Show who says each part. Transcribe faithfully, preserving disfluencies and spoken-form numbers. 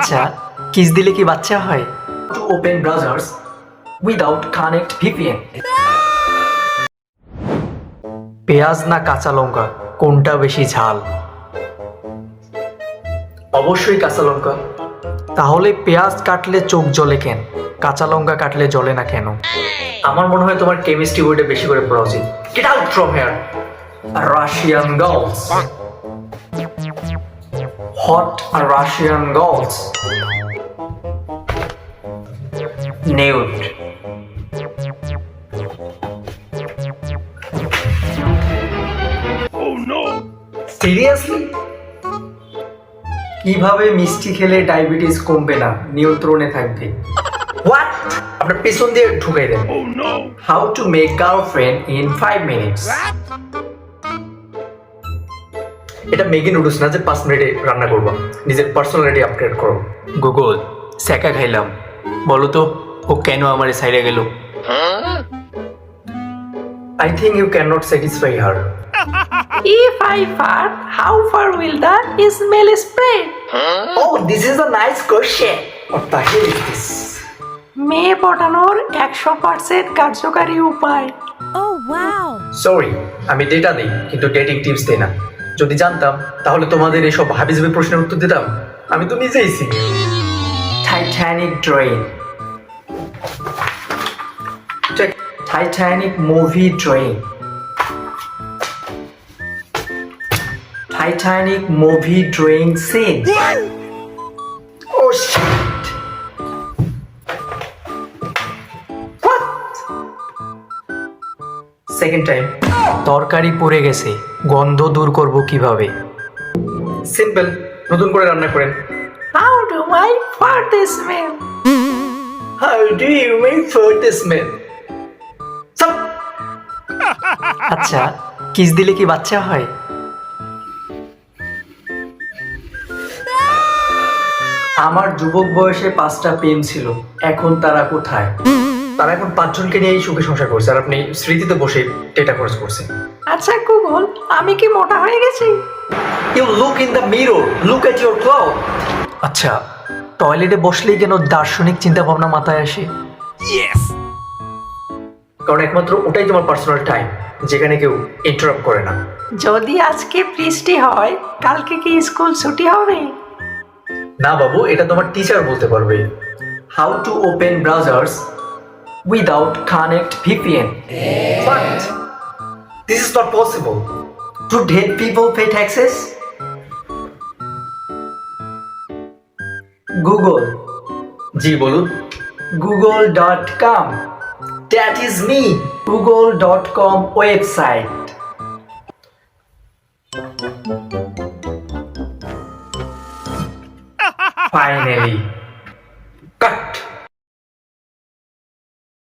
Speaker 1: আচ্ছা, কিস দিলে কি বাচ্চা হয়? To open browsers without connect V P N. পেঁয়াজ না কাঁচা লঙ্কা কোনটা বেশি ঝাল? অবশ্যই কাঁচা লঙ্কা। তাহলে পেঁয়াজ কাটলে চোখ জ্বলে কেন, কাঁচা লঙ্কা কাটলে জ্বলে না কেন? আমার মনে হয় তোমার কেমিস্ট্রি বইটা বেশি করে পড়া উচিত। Get out from here Russian girls. Hot Russian girls. Nude. Seriously? কিভাবে মিষ্টি খেলে ডায়াবেটিস কমবে না, নিয়ন্ত্রণে থাকবে? হোয়াট? আপনার পেছন দিয়ে ঢুকাই দেন। How to make girlfriend in five minutes. এটা ম্যাগি নুডলস না যে পাঁচ মিনিটে রান্না করবো। নিজের পার্সোনালিটি আপগ্রেড করো। গুগল, স্যাকা খাইলাম, বলো তো ও কেন আমার সাইডে গেল? I think you cannot satisfy her.
Speaker 2: If I fart, how far will the smell spread?
Speaker 1: Oh, this is a nice question. What the hell is this?
Speaker 2: মেয়ে পটানোর একশো পার্সেন্ট কার্যকারী উপায়।
Speaker 3: Oh wow!
Speaker 1: সরি, আমি ডেটা দিই কিন্তু dating tips দিই না। যদি জানতাম তাহলে তোমাদের এসব হাবিজাবি প্রশ্নের উত্তর দিতাম। আমি তো নিজেই single. Titanic drawing. Titanic movie drawing. Titanic movie drawing scene. Oh shit! What? Second time. তরকারি পড়ে গেছে, গন্ধ দূর করব কিভাবে? সিম্পল, নতুন করে রান্না করেন।
Speaker 2: How do I fart smell?
Speaker 1: How do you make fart smell? Stop! আচ্ছা, কিস দিলে কি বাচ্চা হয়? আমার যুবক বয়সে পাঁচটা প্রেম ছিল, এখন তারা কোথায়? তারা এখন পাঁচজনকে নিয়েই সুখে সংসার করছে, আর আপনি স্মৃতিতে বসে ডেটা খরচ করছেন।
Speaker 2: আচ্ছা গুগল, আমি কি মোটা হয়ে গেছি?
Speaker 1: You look in the mirror, look at your cloud. আচ্ছা, টয়লেটে বসলেই কেন দার্শনিক চিন্তা ভাবনা মাথায় আসে? কারণ একমাত্র ওটাই তোমার পার্সোনাল টাইম, যেখানে কেউ ইন্টারাপ্ট করে না।
Speaker 2: যদি আজকে বৃষ্টি হয়, কালকে কি স্কুল ছুটি হবে?
Speaker 1: না বাবু, এটা তোমার টিচার বলতে পারবে। How to open browsers without connect V P N. What? This is not possible. Do dead people pay taxes? Google. জি বলুন। Google dot com. That is me. Google dot com website. Finally.